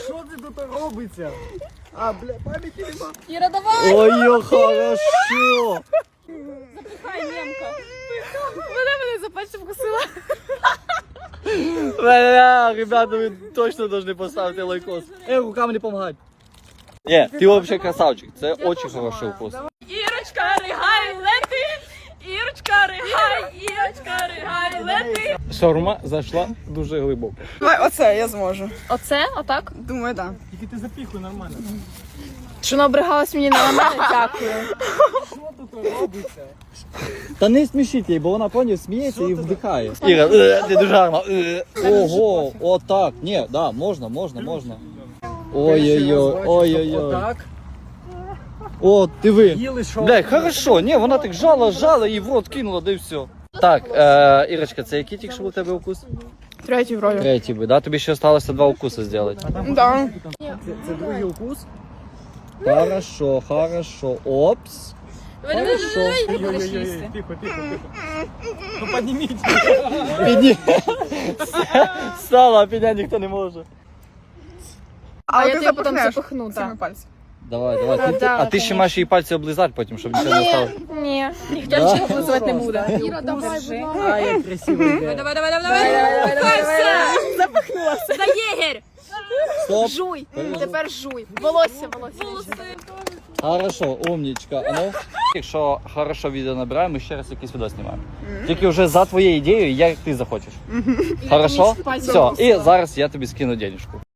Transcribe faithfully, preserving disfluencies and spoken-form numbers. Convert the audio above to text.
Що це тут робиться? А, бля, пам'яті нема. Іра, давай! Ой, хорошо. Запихай, немка. Вона мене за пальцем вкусила. Бля, ребята, вы точно должны поставить лайкос. Эй, рукам не помогать. Не, ты вообще красавчик. Это очень хороший вкус. Ірочка, ригай, лети! Ірочка, ригай, Ірочка, ригай, лети! Шаурма зайшла дуже глибоко. Давай, оце я зможу. Оце? Отак? Думаю, так. Тільки ти запіхуй нормально. Що набригалась мені на мене? Дякую. Що тут робиться? Та не смішіть її, бо вона, поняв, сміється і вдихає. Іра, е, ти дуже гарно. е. Ого, отак. Ні, да, можна, можна, можна. Ой-ой-ой, ой-ой-ой. Отак. О, диви. Їли що? Бля, хорошо, ні, вона так жала, жала і в рот кинула, да і все. Так, е, Ірочка, це який тільки що був у тебе укус? Третій вроді. Третій би, да? Тобі ще залишилося два укуси зробити. Да. Це, це другий укус? Хорошо, хорошо. Опс. Хорошо. Ой-ой-ой, тихо, тихо, тихо. Ну підніміть. Підні. Стало, а підняти ніхто не може. А, я ти тебе потім запихнеш запихну, цими так. пальцями. Давай, давай. Ти, ти, а ти ще маєш її пальці облизати потім, щоб нічого не стало. Ні, ніхто Да? нічого облизувати не буде. Іра, давай, будь ласка. А, як красиво йде. Давай, давай, давай, давай, давай, все. Запихнулася. За єгер! Стоп. Жуй, тепер жуй. Волосся, волосся. Хорошо, умничка. А ну, якщо хорошо відео набираємо, ми ще раз якийсь відео знімаємо. Тільки вже за твоєю ідеєю, як ти захочеш. Хорошо? Все, і зараз я тобі скину денежку.